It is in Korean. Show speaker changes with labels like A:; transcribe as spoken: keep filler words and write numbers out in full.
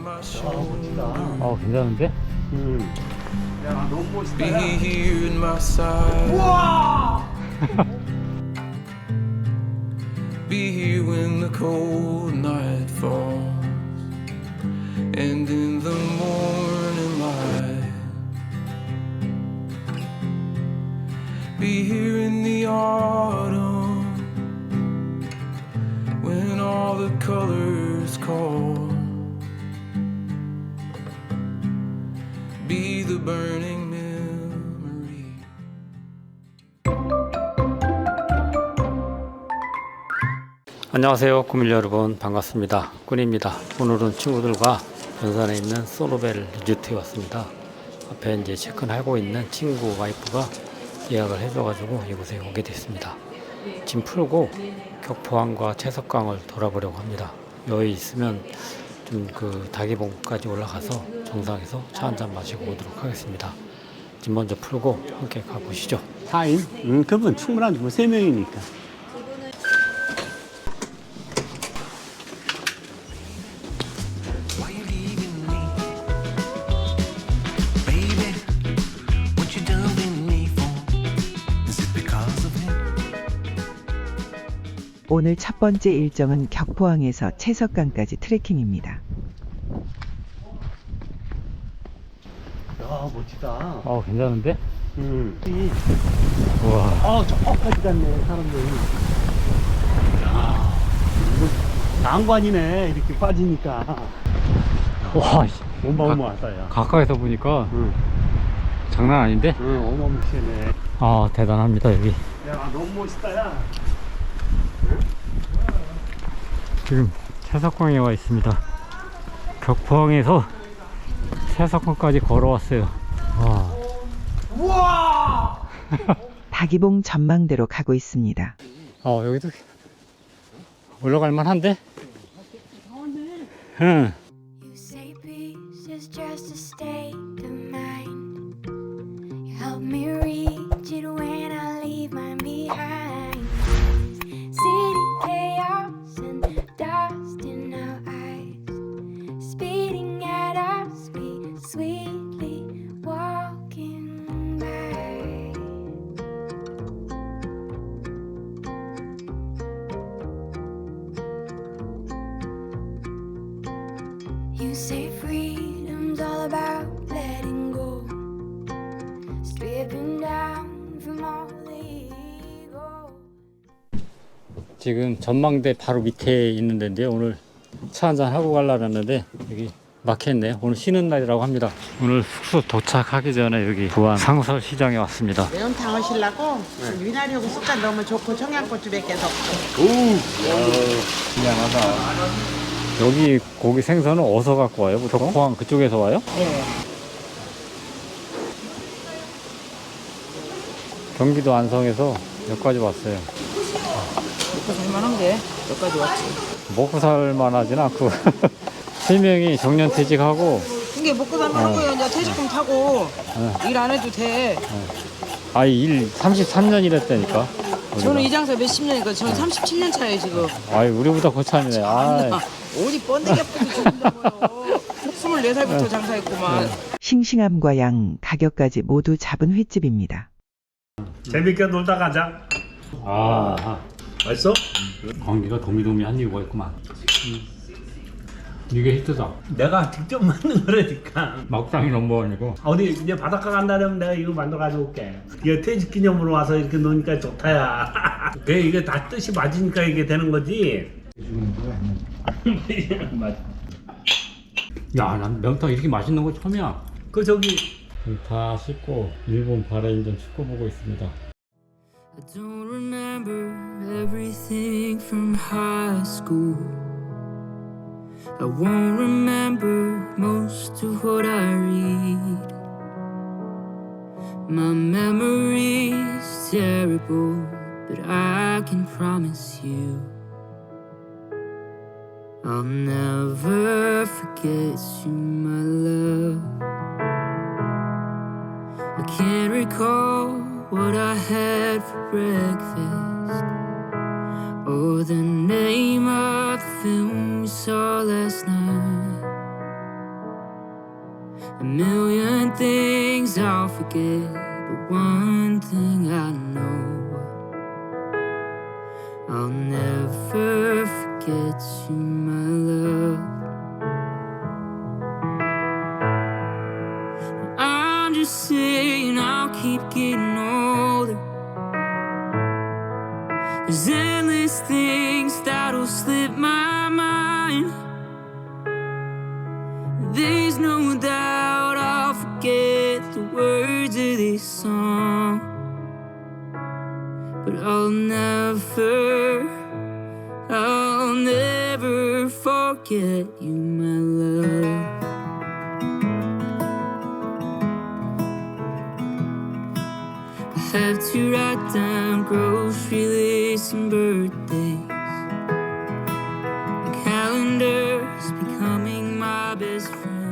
A: 어, 괜찮은데?
B: 음. 야, 너무 멋있다.
C: Be here in my side.
B: 우와!
C: Be here when the cold night falls, and in the morning light. Be here in the autumn, when all the colors call. Be the burning memory.
A: 안녕하세요, 꾸밀 여러분, 반갑습니다. 꾼입니다. 오늘은 친구들과 연산에 있는 소노벨 리조트에 왔습니다. 앞에 이제 체크하고 있는 친구 와이프가 예약을 해줘가지고 이곳에 오게 됐습니다. 짐 풀고 격포항과 채석강을 돌아보려고 합니다. 여기 있으면 좀 그 다기봉까지 올라가서 정상에서 차 한잔 마시고 오도록 하겠습니다. 짐 먼저 풀고 함께 가보시죠.
B: 사 인? 응, 그분 충분하지. 뭐 세 명이니까.
C: Why you leaving me, baby? What you done with me for? Is it because of him?
D: 오늘 첫 번째 일정은 격포항에서 채석강까지 트레킹입니다.
B: 야, 멋지다.
A: 어, 괜찮은데?
B: 응.
A: 우와.
B: 아, 저까지 갔네, 사람들이. 야, 이거 난관이네, 이렇게 빠지니까.
A: 와,
B: 어마어마하다, 야.
A: 가까이서 보니까
B: 응,
A: 장난 아닌데?
B: 응, 어마무시하네.
A: 아, 대단합니다, 여기.
B: 야, 너무 멋있다, 야.
A: 지금 채석강에 와 있습니다. 격포항에서 채석강까지 걸어왔어요. 와.
B: 우와!
D: 다기봉 전망대로 가고 있습니다.
A: 어, 여기도 올라갈 만한데? 응.
E: You say peace is just a state of mind. You help me reach it when I leave mine behind. City chaos and dust in our eyes, speeding at our speed, sweetly walking by. You say freedom's all about letting go, stripping down from all the ego.
A: 지금 전망대 바로 밑에 있는 데인데요. 오늘 차 한잔 하고 가려고 했는데 여기 막혔네요. 오늘 쉬는 날이라고 합니다. 오늘 숙소 도착하기 전에 여기 부안 상설시장에 왔습니다.
F: 매운탕 하시려고 미나리하고 쑥갓 넣으면 좋고 청양고추 몇 개 넣고.
A: 미안하다. 여기 고기 생선은 어디서 갖고 와요? 보통? 포항 그쪽에서 와요?
F: 네.
A: 경기도 안성에서 여기까지 왔어요.
F: 먹고 살만한 게 여기까지 왔지.
A: 먹고 살만하진 않고 세 명이 정년퇴직하고
F: 이게 먹고 살만한
A: 어.
F: 거예요. 이제 퇴직금 타고 일 안 해도 돼.
A: 아이 일 삼십삼 년 일했다니까.
F: 저는 이 장사 몇십 년이니까 저는 삼십칠 년 차예요 지금.
A: 아이 우리보다 고참이네. 아,
F: 어디 번데기 아프고 죽는다고요. 스물네 살부터 장사했구만.
D: 싱싱함과 양, 가격까지 모두 잡은 횟집입니다.
B: 재밌게 놀다 가자.
A: 아,
B: 맛있어?
A: 공기가 도미도미한 이유가 있구만. 이게 히트다.
B: 내가 직접 만든 거라니까.
A: 막장이 넘버원이고.
B: 어디 이제 바닷가 간다면 내가 이거 만들어 가져올게. 이거 퇴직 기념으로 와서 이렇게 노니까 좋다야. 그게 이게 다 뜻이 맞으니까 이게 되는 거지. 맞.
A: 야, 난 명탕 이렇게 맛있는 거 처음이야.
B: 그 저기
A: 다 씻고 일본 바레인전 축구 보고 있습니다.
C: I don't remember everything from high school. I won't remember most of what I read. My memory's terrible, but I can promise you I'll never forget you, my love. I can't recall what I had for breakfast, or the name of the film we saw last night.
G: A million things I'll forget, but one thing I know, I'll never forget you, my love. I'm just saying I'll keep getting older. There's endless things that'll slip my mind. There's no doubt I'll forget the words of this song, but I'll never, I'll never forget you, my love. I have to write down grocery lists and birthdays. My calendar's becoming my best friend.